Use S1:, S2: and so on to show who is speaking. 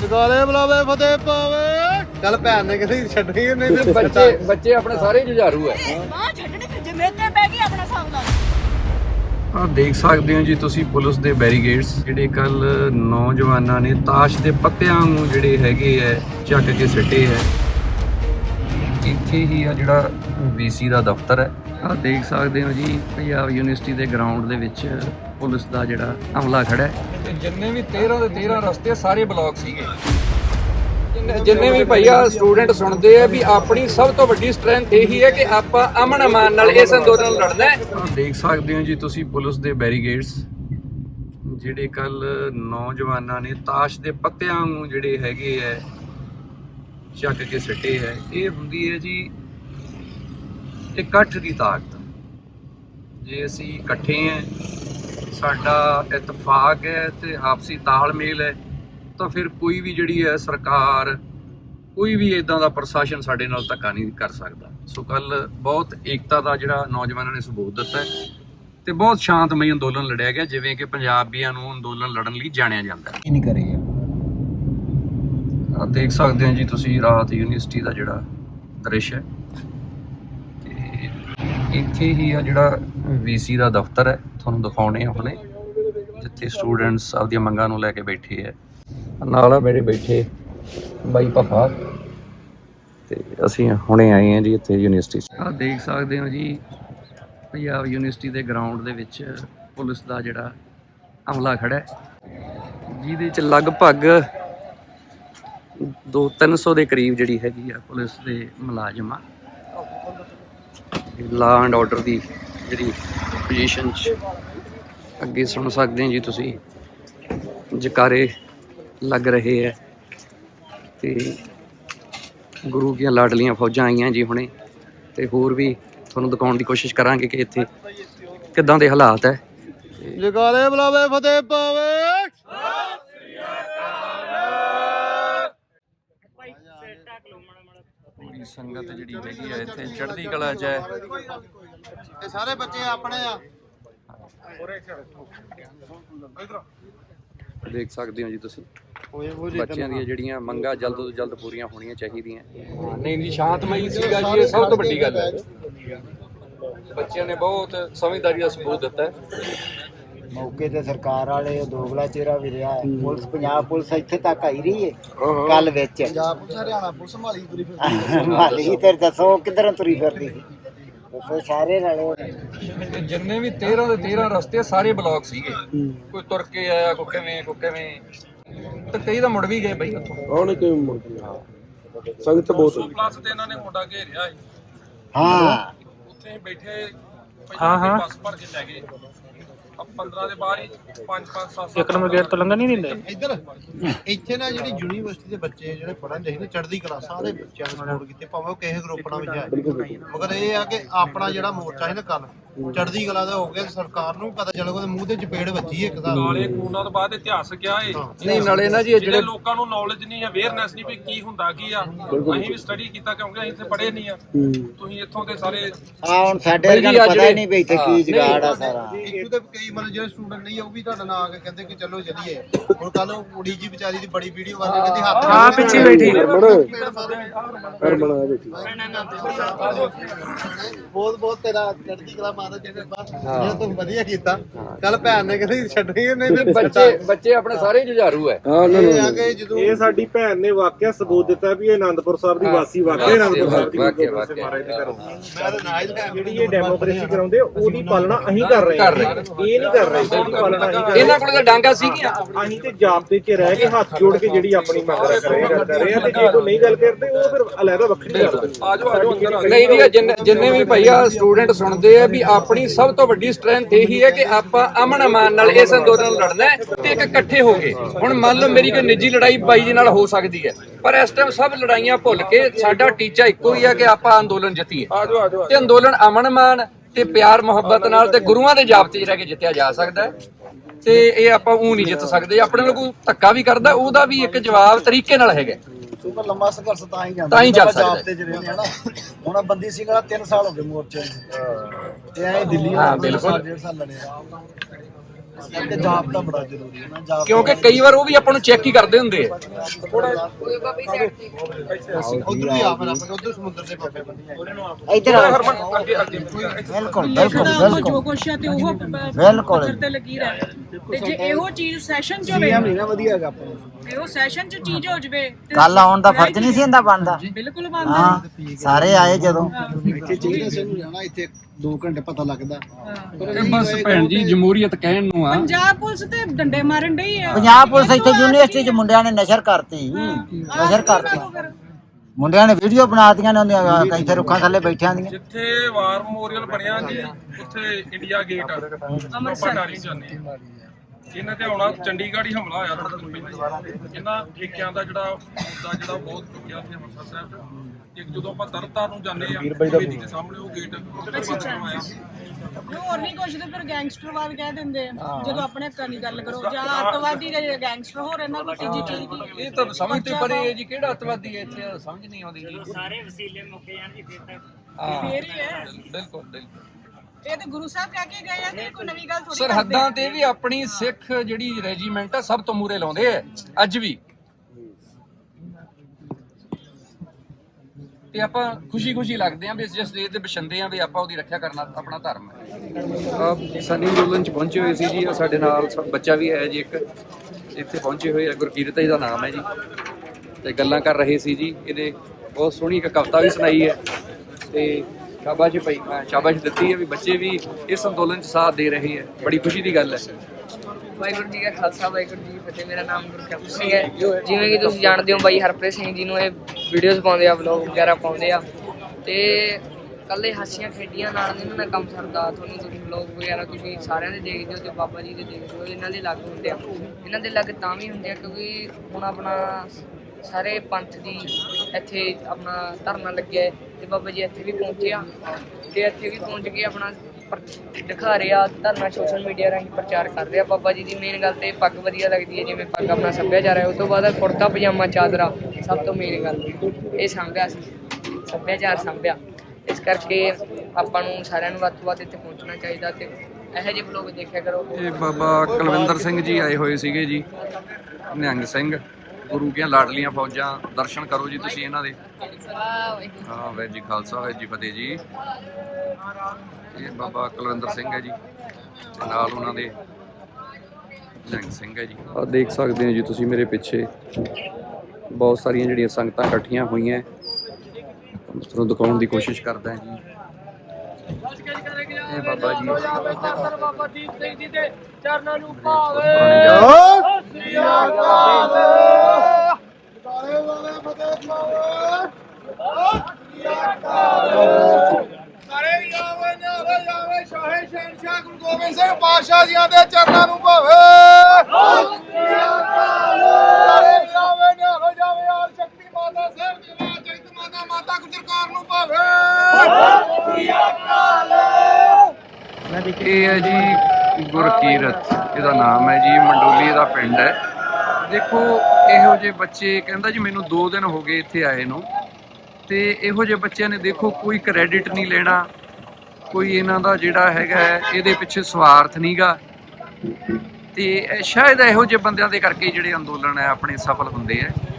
S1: ਜਗਾਲੇ ਬੁਲਾਵੇ ਫਤਿਹ ਪਾਵੇ। ਚੱਲ ਭੈਣ ਨੇ ਕਿਤੇ ਛੱਡਣੀ ਨਹੀਂ ਤੇ
S2: ਬੱਚੇ ਆਪਣੇ ਸਾਰੇ ਜੁਝਾਰੂ ਹੈ।
S3: ਮਾਂ ਛੱਡਣੀ ਤੇ ਜ਼ਿੰਮੇਵਾਰੀ ਪੈ ਗਈ ਆਪਣਾ ਹਿਸਾਬ ਨਾਲ।
S2: ਆਹ ਦੇਖ ਸਕਦੇ ਹੋ ਜੀ ਤੁਸੀਂ ਪੁਲਿਸ ਦੇ ਬੈਰੀਗੇਡਸ ਜਿਹੜੇ ਕੱਲ ਨੌਜਵਾਨਾਂ ਨੇ ਤਾਸ਼ ਦੇ ਪੱਤਿਆਂ ਨੂੰ ਜਿਹੜੇ ਹੈਗੇ ਐ ਚੱਕ ਕੇ ਸਿੱਟੇ ਹੈ। ਇੱਥੇ ਹੀ ਆ ਜਿਹੜਾ ਵੀਸੀ ਦਾ ਦਫ਼ਤਰ ਹੈ। ਆਹ ਦੇਖ ਸਕਦੇ ਹੋ ਜੀ ਪੰਜਾਬ ਯੂਨੀਵਰਸਿਟੀ ਦੇ ਗਰਾਊਂਡ ਦੇ ਵਿੱਚ ਪੁਲਿਸ ਦਾ ਜਿਹੜਾ ਅਮਲਾ ਖੜਾ ਹੈ ਤੇ ਜਿੰਨੇ ਵੀ 13 ਦੇ 13 ਰਸਤੇ ਸਾਰੇ ਬਲੌਕ ਸੀਗੇ। ਜਿੰਨੇ ਵੀ ਭਈਆ ਸਟੂਡੈਂਟ ਸੁਣਦੇ ਆ ਵੀ ਆਪਣੀ ਸਭ ਤੋਂ ਵੱਡੀ ਸਟਰੈਂਥ ਇਹੀ ਹੈ ਕਿ ਆਪਾਂ ਅਮਨ ਅਮਾਨ ਨਾਲ ਇਸ ਅੰਦੋਲਨ ਨੂੰ ਲੜਨਾ ਹੈ। ਦੇਖ ਸਕਦੇ ਹੋ ਜੀ ਤੁਸੀਂ ਪੁਲਿਸ ਦੇ ਬੈਰੀਗੇਡਸ ਜਿਹੜੇ ਕੱਲ ਨੌਜਵਾਨਾਂ ਨੇ ਤਾਸ਼ ਦੇ ਪੱਤਿਆਂ ਨੂੰ ਜਿਹੜੇ ਹੈਗੇ ਐ ਚੱਕ ਕੇ ਸਿੱਟੇ ਹੈ। ਇਹ ਹੁੰਦੀ ਹੈ ਜੀ ਇਕੱਠ ਦੀ ਤਾਕਤ। ਜੇ ਅਸੀਂ ਇਕੱਠੇ ਹਾਂ, ਸਾਡਾ ਇਤਫਾਕ ਹੈ ਤੇ ਆਪਸੀ ਤਾਲਮੇਲ ਹੈ ਤਾਂ ਫਿਰ ਕੋਈ ਵੀ ਜਿਹੜੀ ਹੈ ਸਰਕਾਰ, ਕੋਈ ਵੀ ਇਦਾਂ ਦਾ ਪ੍ਰਸ਼ਾਸਨ ਸਾਡੇ ਨਾਲ ਧੱਕਾ ਨਹੀਂ ਕਰ ਸਕਦਾ। ਸੋ ਕੱਲ ਬਹੁਤ ਏਕਤਾ ਦਾ ਜਿਹੜਾ ਨੌਜਵਾਨਾਂ ਨੇ ਸਬੂਤ ਦਿੱਤਾ ਹੈ ਤੇ ਬਹੁਤ ਸ਼ਾਂਤਮਈ ਅੰਦੋਲਨ ਲੜਿਆ ਗਿਆ, ਜਿਵੇਂ ਕਿ ਪੰਜਾਬੀਆਂ ਨੂੰ ਅੰਦੋਲਨ ਲੜਨ ਲਈ ਜਾਣਿਆ ਜਾਂਦਾ ਹੈ।
S1: ਕੀ ਨਹੀਂ ਕਰੇਗਾ।
S2: ਦੇਖ ਸਕਦੇ ਹੋ ਜੀ ਤੁਸੀਂ ਰਾਤ ਯੂਨੀਵਰਸਿਟੀ ਦਾ ਜਿਹੜਾ ਦ੍ਰਿਸ਼ ਹੈ ਤੇ ਇੱਥੇ ਹੀ ਆ ਜਿਹੜਾ ਵੀਸੀ ਦਾ ਦਫ਼ਤਰ ਹੈ, ਤੁਹਾਨੂੰ ਦਿਖਾਉਣੇ ਆ ਹੁਣੇ, ਜਿੱਥੇ ਸਟੂਡੈਂਟਸ ਆਪਦੀਆਂ ਮੰਗਾਂ ਨੂੰ ਲੈ ਕੇ ਬੈਠੇ ਹੈ। ਨਾਲ ਆ ਮੇਰੇ ਬੈਠੇ ਬਾਈ ਭੱਫਾ ਤੇ ਅਸੀਂ ਹੁਣੇ ਆਏ ਹਾਂ ਜੀ ਇੱਥੇ ਯੂਨੀਵਰਸਿਟੀ 'ਚ। ਆਹ ਦੇਖ ਸਕਦੇ ਹੋ ਜੀ ਪੰਜਾਬ ਯੂਨੀਵਰਸਿਟੀ ਦੇ ਗਰਾਊਂਡ ਦੇ ਵਿੱਚ ਪੁਲਿਸ ਦਾ ਜਿਹੜਾ ਅਮਲਾ ਖੜਾ ਹੈ, ਜਿਹਦੇ 'ਚ ਲਗਭਗ 200-300 ਦੇ ਕਰੀਬ ਜਿਹੜੀ ਹੈਗੀ ਆ ਪੁਲਿਸ ਦੇ ਮੁਲਾਜ਼ਮ ਆ। ਲਾ ਐਂਡ ਆਰਡਰ ਦੀ ਜਿਹੜੀ ਪੋਜੀਸ਼ਨ 'ਚ ਅੱਗੇ ਸੁਣ ਸਕਦੇ ਹੋ ਜੀ ਤੁਸੀਂ ਜਕਾਰੇ ਲੱਗ ਰਹੇ ਹੈ ਤੇ ਗੁਰੂ ਦੀਆਂ ਲਾਡਲੀਆਂ ਫੌਜਾਂ ਆਈਆਂ ਜੀ ਹੁਣੇ, ਤੇ ਹੋਰ ਵੀ ਤੁਹਾਨੂੰ ਦਿਖਾਉਣ ਦੀ ਕੋਸ਼ਿਸ਼ ਕਰਾਂਗੇ ਕਿ ਇੱਥੇ ਕਿੱਦਾਂ ਦੇ ਹਾਲਾਤ ਹੈ।
S1: ਜਗਾਲੇ ਬੁਲਾਵੇ ਫਤਿਹ ਪਾਵੇ।
S2: ਪੂਰੀ ਸੰਗਤ ਜਿਹੜੀ ਹੈਗੀ ਆ ਇੱਥੇ ਚੜ੍ਹਦੀ ਕਲਾ 'ਚ ਹੈ।
S1: ਇਹ ਸਾਰੇ ਬੱਚੇ ਆਪਣੇ ਆ।
S2: ਦੇਖ ਸਕਦੇ ਹੋ ਜੀ ਤੁਸੀਂ ਬੱਚਿਆਂ ਦੀਆਂ ਜਿਹੜੀਆਂ ਮੰਗਾਂ ਜਲਦ ਤੋਂ ਜਲਦ ਪੂਰੀਆਂ ਹੋਣੀਆਂ ਚਾਹੀਦੀਆਂ। ਨਹੀਂ ਜੀ ਸ਼ਾਂਤਮਈ ਸੀਗਾ ਜੀ, ਇਹ ਸਭ ਤੋਂ ਵੱਡੀ ਗੱਲ ਹੈ। ਬੱਚਿਆਂ ਨੇ ਬਹੁਤ ਸਮਝਦਾਰੀ ਦਾ ਸਬੂਤ ਦਿੱਤਾ ਹੈ।
S4: ਮੌਕੇ ਤੇ ਸਰਕਾਰ ਵਾਲੇ ਦੋਗਲਾ ਚਿਹਰਾ ਵੀ ਰਿਹਾ ਹੈ। ਪੁਲਿਸ ਪੰਜਾਬ ਪੁਲਿਸ ਇੱਥੇ ਤੱਕ ਆਈ ਰਹੀ ਹੈ ਕੱਲ ਵਿੱਚ।
S1: ਪੰਜਾਬ ਪੁਲਿਸ ਹਰਿਆਣਾ ਪੁਲਿਸ ਮਾਲੀ ਤੁਰੀ ਫਿਰਦੀ।
S4: ਮਾਲੀ ਤੇ ਦੱਸੋ ਕਿੱਧਰੋਂ ਤੁਰੀ ਫਿਰਦੀ ਸੀ। ਦੱਸੋ ਸਾਰੇ ਰਲੇ
S2: ਜਿੰਨੇ ਵੀ 13 ਦੇ 13 ਰਸਤੇ ਸਾਰੇ ਬਲੌਕ ਸੀਗੇ। ਕੋਈ ਤੁਰ ਕੇ ਆਇਆ, ਕੋਈ ਕਿਵੇਂ ਤੇ ਕਈ ਤਾਂ ਮੁੜ ਵੀ ਗਏ ਬਈ ਉੱਥੋਂ।
S1: ਉਹਨੇ ਕਿਉਂ ਮੁੜ ਗਿਆ। ਸੰਗਤ ਬਹੁਤ
S5: ਪਲੱਸ ਤੇ ਇਹਨਾਂ ਨੇ ਮੁੰਡਾ ਘੇਰਿਆ ਸੀ।
S4: ਹਾਂ
S5: ਉੱਥੇ ਬੈਠੇ ਹਾਂ ਬੱਸ ਭਰ ਕੇ ਲੈ ਗਏ। 15 ਦੇ ਬਾਹਰ ਹੀ 5-5 7
S6: ਇੱਕ ਨੰਬਰ ਗੇਟ ਤੋਂ ਲੰਘਣ ਨਹੀਂ ਦਿੰਦੇ
S1: ਇੱਧਰ ਇੱਥੇ ਨਾ ਜਿਹੜੀ ਯੂਨੀਵਰਸਿਟੀ ਦੇ ਬੱਚੇ ਜਿਹੜੇ ਪੜ੍ਹਨ ਦੇ ਨੇ ਚੜ੍ਹਦੀ ਕਲਾ ਸਾਰੇ ਬੱਚਿਆਂ ਨੂੰ ਸਪੋਰਟ ਕੀਤੇ, ਭਾਵੇਂ ਉਹ ਕਿਸੇ ਗਰੁੱਪ ਨਾਲ ਵੀ ਜਾਏ। ਮਗਰ ਇਹ ਆ ਕਿ ਆਪਣਾ ਜਿਹੜਾ ਮੋਰਚਾ ਹੈ ਨਾ ਕੱਲ ਚੜ੍ਹਦੀ ਕਲਾ ਦਾ ਹੋ ਗਿਆ। ਸਰਕਾਰ ਨੂੰ ਪਤਾ ਚੱਲ ਗਿਆ, ਮੂੰਹ ਤੇ ਚਪੇੜ ਵੱਜੀ ਇੱਕ ਦਾ
S5: ਕਾਲੇ ਖੂਨਾਂ ਤੋਂ ਬਾਅਦ ਇਤਿਹਾਸ ਕਿਹਾ ਏ।
S2: ਨਹੀਂ ਨਾਲੇ ਨਾ ਜੀ
S5: ਜਿਹੜੇ ਲੋਕਾਂ ਨੂੰ ਨੌਲੇਜ ਨਹੀਂ, ਅਵੇਅਰਨੈਸ ਨਹੀਂ ਵੀ ਕੀ ਹੁੰਦਾ ਕੀ ਆ। ਅਸੀਂ ਵੀ ਸਟੱਡੀ ਕੀਤਾ ਕਿਉਂਕਿ ਅਸੀਂ ਇੱਥੇ ਪੜ੍ਹੇ ਨਹੀਂ ਆ। ਤੁਸੀਂ ਇੱਥੋਂ ਦੇ ਸਾਰੇ
S4: ਆ ਹੁਣ ਸਾਡੇ ਵਰਗਿਆਂ ਨੂੰ ਪਤਾ ਹੀ ਨਹੀਂ ਵੀ ਇੱਥੇ ਕੀ ਜੁਗਾੜ ਆ ਸਾਰਾ।
S1: ਇੱਥੋਂ ਦੇ ਕਈ ਮਤਲਬ ਜਿਹੜੇ ਸਟੂਡੈਂਟ ਨਹੀਂ ਆ ਉਹ ਵੀ ਤੁਹਾਡਾ ਨਾਂ ਆ ਕੇ ਕਹਿੰਦੇ ਕਿ ਚਲੋ ਚੱਲੀਏ। ਹੁਣ ਕੱਲ ਉਹ ਕੁੜੀ ਜੀ ਵਿਚਾਰੀ ਦੀ ਬੜੀ ਵੀਡੀਓ ਬਣ ਕੇ ਕਹਿੰਦੀ ਹੱਥ
S6: ਹਾਂ ਪਿੱਛੇ ਬੈਠੀ
S1: ਬਹੁਤ ਬਹੁਤ ਤੇਰਾ ਚੜ੍ਹਦੀ ਕਲਾ ਮਾਤਾ ਜਿਹੜੇ ਬਸ ਜਿਹੜਾ ਤੂੰ ਵਧੀਆ ਕੀਤਾ। ਕੱਲ ਭੈਣ ਨੇ ਕਹਿੰਦੀ ਛੱਡਣੀ ਨਹੀਂ ਤੇ
S2: ਬੱਚੇ ਆਪਣੇ ਸਾਰੇ ਜੁਝਾਰੂ ਹੈ।
S1: ਇਹ ਆ ਕਿ ਜਦੋਂ
S7: ਇਹ ਸਾਡੀ ਭੈਣ ਨੇ ਵਾਕਿਆ ਸਬੂਤ ਦਿੱਤਾ ਵੀ ਇਹ ਆਨੰਦਪੁਰ ਸਾਹਿਬ ਦੀ ਵਾਸੀ ਵਾਕਿਆ ਆਨੰਦਪੁਰ ਸਾਹਿਬ ਦੀ ਮਹਾਰਾਜ ਦੇ ਘਰੋਂ।
S1: ਮੈਂ ਤਾਂ ਨਾ ਹੀ ਲੈ
S7: ਜਿਹੜੀ ਇਹ ਡੈਮੋਕ੍ਰੇਸੀ ਕਰਾਉਂਦੇ ਉਹਦੀ ਪਾਲਣਾ ਅਸੀਂ ਕਰ ਰਹੇ ਹਾਂ। ਇਹ ਨਹੀਂ ਕਰ ਰਹੇ, ਉਹਦੀ ਪਾਲਣਾ ਅਸੀਂ ਕਰ ਰਹੇ
S2: ਇਹਨਾਂ ਕੋਲ ਤਾਂ ਡਾਂਗਾ ਸੀਗੀਆਂ।
S7: ਹਾਂ। ਅਸੀਂ ਤੇ ਜਾਬਤੇ 'ਚ ਰਹਿ ਕੇ ਹੱਥ ਜੋੜ ਕੇ ਜਿਹੜੀ ਆਪਣੀ ਮੰਗ ਕਰ ਰਹੇ ਹਾਂ ਤੇ ਜੇ ਕੋਈ ਨਹੀਂ ਗੱਲ ਕਰਦੇ ਉਹ ਫਿਰ ਅਲੱਗਾ ਵੱਖਰੀ ਗੱਲ ਹੈ।
S5: ਆਜੋ ਅੰਦਰ
S2: ਨਹੀਂ ਜੀ ਜਿੰਨੇ ਵੀ ਭਈਆ ਸਟੂਡੈਂਟ ਸੁਣਦੇ ਆ ਵੀ ਆਪਣੀ ਸਭ ਤੋਂ ਵੱਡੀ ਸਟਰੈਂਥ ਇਹੀ ਹੈ ਕਿ ਆਪਾਂ ਅਮਨ ਅਮਾਨ ਨਾਲ ਇਸ ਅੰਦੋਲਨ ਨੂੰ ਲੜਨਾ ਹੈ ਤੇ ਇੱਕ ਇਕੱਠੇ ਹੋ ਗਏ। ਹੁਣ ਮੰਨ ਲਓ ਮੇਰੀ ਕੋਈ ਨਿੱਜੀ ਲੜਾਈ ਬਾਈ ਜੀ ਨਾਲ ਹੋ ਸਕਦੀ ਹੈ, ਪਰ ਇਸ ਟਾਈਮ ਸਭ ਲੜਾਈਆਂ ਭੁੱਲ ਕੇ ਸਾਡਾ ਟੀਚਾ ਇੱਕੋ ਹੀ ਹੈ ਕਿ ਆਪਾਂ ਅੰਦੋਲਨ ਜਿੱਤੀਏ। ਤੇ ਅੰਦੋਲਨ ਅਮਨ ਅਮਾਨ ਤੇ ਪਿਆਰ ਮੁਹੱਬਤ ਨਾਲ ਤੇ ਗੁਰੂਆਂ ਦੇ ਜਾਬਤੇ 'ਚ ਰਹਿ ਕੇ ਜਿੱਤਿਆ ਜਾ ਸਕਦਾ ਹੈ। ਤੇ ਇਹ ਆਪਾਂ ਉਹ ਨਹੀਂ ਜਿੱਤ ਸਕਦੇ। ਆਪਣੇ ਨਾਲ ਕੋਈ ਧੱਕਾ ਵੀ ਕਰਦਾ ਉਹਦਾ ਵੀ ਇੱਕ ਜਵਾਬ ਤਰੀਕੇ ਨਾਲ ਹੈਗਾ।
S4: ਸੁਪਰ ਲੰਮਾ ਸੰਘਰਸ਼ ਤਾਂ ਹੀ ਜਾਂਦਾ
S2: ਤਾਂ ਹੀ ਚੱਲ ਸਕਦਾ।
S4: ਤੇ ਜਿਹੜੇ ਨੇ ਨਾ ਹੁਣ ਬੰਦੀ ਸਿੰਘ ਵਾਲਾ 3 ਸਾਲ ਹੋ ਗਏ ਮੋਰਚੇ ਤੇ ਐ ਦਿੱਲੀ
S2: ਹਾਂ, ਬਿਲਕੁਲ।
S4: 1.5 ਸਾਲ ਲੜਿਆ।
S1: ਜਾਬਤਾ ਬੜਾ ਜ਼ਰੂਰੀ ਹੈ ਨਾ, ਜਾਬਤਾ
S2: ਕਿਉਂਕਿ ਕਈ ਵਾਰ ਉਹ ਵੀ ਆਪਾਂ ਨੂੰ ਚੈੱਕ ਹੀ ਕਰਦੇ ਹੁੰਦੇ ਆ।
S1: ਉਧਰ ਵੀ ਆ ਫਿਰ ਆਪਾਂ ਉਧਰ ਸਮੁੰਦਰ ਦੇ ਪਾਸੇ
S4: ਇੱਧਰ ਆ।
S5: ਹਰਮਨ ਅੱਗੇ ਅੱਗੇ
S4: ਬਿਲਕੁਲ
S3: ਲਿਖਦਾ
S4: ਬਿਲਕੁਲ
S3: ਉਹ ਜੋ
S4: ਬਿਲਕੁਲ
S3: ਕੁਛ ਆ ਤੇ ਉਹ
S4: ਬਿਲਕੁਲ।
S3: ਪੱਤਰ ਤੇ ਲੱਗੀ ਰਹੇ ਤੇ ਜੇ ਇਹੋ ਚੀਜ਼ ਸੈਸ਼ਨ ਚ ਹੋਵੇ
S1: ਨਾ ਵਧੀਆ ਹੈਗਾ ਆਪਾਂ ਨੂੰ।
S3: ਇਹੋ ਸੈਸ਼ਨ ਚ ਚੀਜ਼ ਹੋ ਜਵੇ ਤੇ
S4: ਕੱਲ ਆਉਣ ਦਾ ਫਰਜ਼ ਨਹੀਂ ਸੀ ਇਹਦਾ ਬਣਦਾ।
S3: ਬਿਲਕੁਲ ਬੰਦ
S4: ਹਾਂ ਸਾਰੇ ਆਏ ਜਦੋਂ।
S1: ਇੱਥੇ ਚਾਹੀਦਾ ਸਾਨੂੰ ਜਾਣਾ, ਇੱਥੇ 2 ਘੰਟੇ ਪਤਾ ਲੱਗਦਾ।
S2: ਇਹ ਬਸ ਭੈਣ ਜੀ ਜਮਹੂਰੀਅਤ ਕਹਿਣ ਨੂੰ ਆ।
S3: ਪੰਜਾਬ ਪੁਲਿਸ ਤੇ ਡੰਡੇ ਮਾਰਨ ਡਈ ਆ।
S4: ਪੰਜਾਬ ਪੁਲਿਸ ਇੱਥੇ ਯੂਨੀਵਰਸਿਟੀ 'ਚ ਮੁੰਡਿਆਂ ਨੇ ਨਸ਼ਰ ਕਰਤੀ, ਨਸ਼ਰ ਕਰਤੀ। ਮੁੰਡਿਆਂ ਨੇ ਵੀਡੀਓ ਬਣਾਤੀਆਂ ਨੇ ਉਹਦੀਆਂ, ਇੱਥੇ ਰੁੱਖਾਂ ਥੱਲੇ ਬੈਠਿਆਂ ਦੀਆਂ।
S5: ਜਿੱਥੇ ਵਾਰ ਮੈਮੋਰੀਅਲ ਬਣਿਆ ਜੀ ਉੱਥੇ ਇੰਡੀਆ ਗੇਟ ਅੰਮ੍ਰਿਤਸਰ ਜਾਂਦੇ ਆ। ਇਹਨਾਂ ਤੇ ਆਉਣਾ ਚੰਡੀਗੜ੍ਹ ਹੀ ਹਮਲਾ ਹੋਇਆ ਥੋੜਾ ਦਿਨ ਪਹਿਲਾਂ। ਇਹਨਾਂ ਠੇਕਿਆਂ ਦਾ ਜਿਹੜਾ ਮੁੱਦਾ ਜਿਹੜਾ ਬਹੁਤ ਚੁੱਕਿਆ ਉੱਥੇ ਅੰਮ੍ਰਿਤਸਰ ਸਾਹਿਬ 'ਚ। ਤੇ ਜਦੋਂ ਆਪਾਂ ਤਰਨਤਾਰਨ ਨੂੰ ਜਾਂਦੇ ਆ ਬੇਦੀ ਦੇ ਸਾਹਮਣੇ ਉਹ ਗੇਟ ਬਣਵਾਇਆ।
S3: ਹੋਰ ਨਹੀਂ ਕੁਛ ਤੇ ਫਿਰ ਗੈਂਗਸਟਰਵਾਦ ਕਹਿ ਦਿੰਦੇ ਆ ਜਦੋਂ ਆਪਣੇ ਹੱਕਾਂ ਦੀ ਗੱਲ ਕਰੋ, ਜਾਂ ਅੱਤਵਾਦੀ ਦੇ ਗੈਂਗਸਟਰ ਹੋਰ ਇਹਨਾਂ ਕੋਲ ਤੀਜੀ ਚੀਜ਼ ਕੀ।
S2: ਇਹ ਤਾਂ ਸਮਝ ਤੇ ਪਰੇ ਹੈ ਜੀ, ਕਿਹੜਾ ਅੱਤਵਾਦੀ ਹੈ ਇੱਥੇ ਸਮਝ ਨਹੀਂ ਆਉਂਦੀ ਜੀ।
S3: ਸਾਰੇ ਵਸੀਲੇ ਮੁੱਕ ਜਾਣ ਜੀ ਫਿਰ
S2: ਹਾਂ
S3: ਫੇਰ ਹੀ ਹੈ।
S2: ਬਿਲਕੁਲ ਬਿਲਕੁਲ।
S3: ਇਹ ਤੇ ਗੁਰੂ ਸਾਹਿਬ ਕਹਿ ਕੇ ਗਏ ਆ ਕਿ ਕੋਈ ਨਵੀਂ ਗੱਲ ਥੋੜੀ।
S2: ਸਰਹੱਦਾਂ ਤੇ ਵੀ ਆਪਣੀ ਸਿੱਖ ਜਿਹੜੀ ਰੈਜੀਮੈਂਟ ਆ ਸਭ ਤੋਂ ਮੂਰੇ ਲਾਉਂਦੇ ਆ ਅੱਜ ਵੀ। ਤੇ ਆਪਾਂ ਖੁਸ਼ੀ ਲੱਗਦੇ ਆਂ ਵੀ ਜਿਸ ਦੇਸ਼ ਦੇ ਬਸ਼ੰਦੇ ਆਂ ਵੀ ਆਪਾਂ ਉਹਦੀ ਰੱਖਿਆ ਕਰਨਾ ਆਪਣਾ ਧਰਮ ਹੈ। ਸਨੀ ਅੰਦੋਲਨ ਚ ਪਹੁੰਚੇ ਹੋਏ ਸੀ ਜੀ, ਸਾਡੇ ਨਾਲ ਬੱਚਾ ਵੀ ਹੈ ਜੀ ਇੱਕ ਇੱਥੇ ਪਹੁੰਚੇ ਹੋਏ ਆ, ਗੁਰਕੀਰਤ ਇਹਦਾ ਨਾਮ ਹੈ ਜੀ, ਤੇ ਗੱਲਾਂ ਕਰ ਰਹੇ ਸੀ ਜੀ। ਇਹਨੇ ਬਹੁਤ ਸੋਹਣੀ ਇੱਕ ਕਵਿਤਾ ਵੀ ਸੁਣਾਈ ਹੈ ਤੇ ਸ਼ਾਬਾਸ਼ ਭਾਈ, ਸ਼ਾਬਾਸ਼ ਦਿੱਤੀ ਹੈ ਵੀ ਬੱਚੇ ਵੀ ਇਸ ਅੰਦੋਲਨ ਚ ਸਾਥ ਦੇ ਰਹੇ ਹੈ। ਬੜੀ ਖੁਸ਼ੀ ਦੀ ਗੱਲ ਹੈ।
S8: ਵਾਹਿਗੁਰੂ ਜੀ ਕਾ ਖਾਲਸਾ ਵਾਹਿਗੁਰੂ ਜੀ ਕੀ ਫਤਿਹ। ਮੇਰਾ ਨਾਮ ਗੁਰਕਿਰਤ ਸਿੰਘ ਹੈ। ਜਿਵੇਂ ਕਿ ਤੁਸੀਂ ਜਾਣਦੇ ਹੋ ਬਾਈ ਹਰਪ੍ਰੀਤ ਸਿੰਘ ਜੀ ਨੂੰ ਇਹ ਵੀਡੀਓਜ਼ ਪਾਉਂਦੇ ਆ, ਵਲੌਗ ਵਗੈਰਾ ਪਾਉਂਦੇ ਆ, ਤੇ ਕੱਲੇ ਹਾਸੀਆਂ ਖੇਡੀਆਂ ਨਾਲ ਨਹੀਂ ਇਹਨਾਂ ਦਾ ਕੰਮ ਸਰਦਾ। ਤੁਸੀਂ ਵਲੌਗ ਵਗੈਰਾ ਤੁਸੀਂ ਸਾਰਿਆਂ ਦੇ ਦੇਖਦੇ ਹੋ ਤੇ ਬਾਬਾ ਜੀ ਦੇ ਦੇਖਦੇ ਹੋ, ਇਹਨਾਂ ਦੇ ਲੱਗ ਹੁੰਦੇ ਆ। ਇਹਨਾਂ ਦੇ ਲੱਗ ਤਾਂ ਵੀ ਹੁੰਦੇ ਆ ਕਿਉਂਕਿ ਹੁਣ ਆਪਣਾ ਸਾਰੇ ਪੰਥ ਦੀ ਇੱਥੇ ਆਪਣਾ ਧਰਨਾ ਲੱਗਿਆ ਤੇ ਬਾਬਾ ਜੀ ਇੱਥੇ ਵੀ ਪਹੁੰਚੇ ਆ ਤੇ ਇੱਥੇ ਵੀ ਪਹੁੰਚ ਕੇ ਆਪਣਾ ਦਿਖਾ ਰਿਹਾ ਧਰਨਾ, ਸੋਸ਼ਲ ਮੀਡੀਆ ਰਾਹੀਂ ਪ੍ਰਚਾਰ ਕਰ ਰਿਹਾ ਬਾਬਾ ਜੀ ਦੀ। ਮੇਨ ਗੱਲ ਤੇ ਪੱਗ ਵਧੀਆ ਲੱਗਦੀ ਹੈ, ਜਿਵੇਂ ਪੱਗ ਆਪਣਾ ਸੱਭਿਆਚਾਰ ਹੈ। ਉਸ ਤੋਂ ਬਾਅਦ ਕੁੜਤਾ ਪਜਾਮਾ ਚਾਦਰਾ ਸਭ ਤੋਂ ਮੇਨ ਗੱਲ ਇਹ ਸਾਂਭਿਆ ਸੀ, ਸੱਭਿਆਚਾਰ ਸਾਂਭਿਆ। ਇਸ ਕਰਕੇ ਆਪਾਂ ਨੂੰ ਸਾਰਿਆਂ ਨੂੰ ਵੱਧ ਤੋਂ ਵੱਧ ਇੱਥੇ ਪਹੁੰਚਣਾ ਚਾਹੀਦਾ ਤੇ ਇਹੋ ਜਿਹੇ ਲੋਕ ਦੇਖਿਆ ਕਰੋ।
S2: ਇਹ ਬਾਬਾ ਕੁਲਵਿੰਦਰ ਸਿੰਘ ਜੀ ਆਏ ਹੋਏ ਸੀਗੇ ਜੀ, ਨਿਹੰਗ ਸਿੰਘ, ਗੁਰੂ ਦੀਆਂ ਲਾਡਲੀਆਂ ਫੌਜਾਂ। ਦਰਸ਼ਨ ਕਰੋ ਜੀ ਤੁਸੀਂ ਇਹਨਾਂ ਦੇ। ਹਾਂ ਵਾਹਿਗੁਰੂ ਜੀ ਖਾਲਸਾ ਵਾਹਿਗੁਰੂ ਜੀ ਫਤਿਹ ਜੀ। ਇਹ ਬਾਬਾ ਕੁਲਵਿੰਦਰ ਸਿੰਘ ਹੈ ਜੀ ਤੇ ਨਾਲ ਉਹਨਾਂ ਦੇ ਨਿਹੰਗ ਸਿੰਘ ਹੈ ਜੀ। ਆਹ ਦੇਖ ਸਕਦੇ ਹੋ ਜੀ ਤੁਸੀਂ ਮੇਰੇ ਪਿੱਛੇ ਬਹੁਤ ਸਾਰੀਆਂ ਜਿਹੜੀਆਂ ਸੰਗਤਾਂ ਇਕੱਠੀਆਂ ਹੋਈਆਂ, ਤੁਹਾਨੂੰ ਦਿਖਾਉਣ ਦੀ ਕੋਸ਼ਿਸ਼ ਕਰਦਾ ਜੀ। ਇਹ ਬਾਬਾ ਜੀ
S8: ਬਾਬਾ ਦੀਪ ਸਿੰਘ ਜੀ ਦੇ ਚਰਨਾਂ ਨੂੰ ਭਾਵੇ।
S7: ਸ਼ਾਹੇ ਸ਼ਹਿਨਸ਼ਾਹ ਗੁਰੂ ਗੋਬਿੰਦ ਸਿੰਘ ਪਾਤਸ਼ਾਹ ਜੀਆਂ ਦੇ ਚਰਨਾਂ ਨੂੰ ਭਾਵੇ। ਜਾਵੇ ਨਿਹਾਲੋ ਜਾਵੇ ਆਲ ਸ਼ਕਤੀ ਮਾਤਾ ਸਾਹਿਬ ਜਵਾ ਜੈਤ ਮਾਤਾ ਮਾਤਾ ਗੁਜਰ ਕੌਰ ਨੂੰ ਭਾਵੇ।
S2: ਇਹ ਹੈ ਜੀ ਗੁਰਕੀਰਤ, ਇਹਦਾ ਨਾਮ ਹੈ ਜੀ, ਮੰਡੋਲੀ ਦਾ ਪਿੰਡ ਹੈ। ਦੇਖੋ ਇਹੋ ਜਿਹੇ ਬੱਚੇ, ਕਹਿੰਦਾ ਜੀ ਮੈਨੂੰ 2 ਦਿਨ ਹੋ ਗਏ ਇੱਥੇ ਆਏ ਨੂੰ, ਤੇ ਇਹੋ ਜਿਹੇ ਬੱਚਿਆਂ ਨੇ ਦੇਖੋ ਕੋਈ ਕ੍ਰੈਡਿਟ ਨਹੀਂ ਲੈਣਾ, ਕੋਈ ਇਹਨਾਂ ਦਾ ਜਿਹੜਾ ਹੈਗਾ ਇਹਦੇ ਪਿੱਛੇ ਸਵਾਰਥ ਨਹੀਂਗਾ। ਤੇ ਸ਼ਾਇਦ ਇਹੋ ਜਿਹੇ ਬੰਦਿਆਂ ਦੇ ਕਰਕੇ ਜਿਹੜੇ ਅੰਦੋਲਨ ਹੈ ਆਪਣੇ ਸਫਲ ਹੁੰਦੇ ਆ।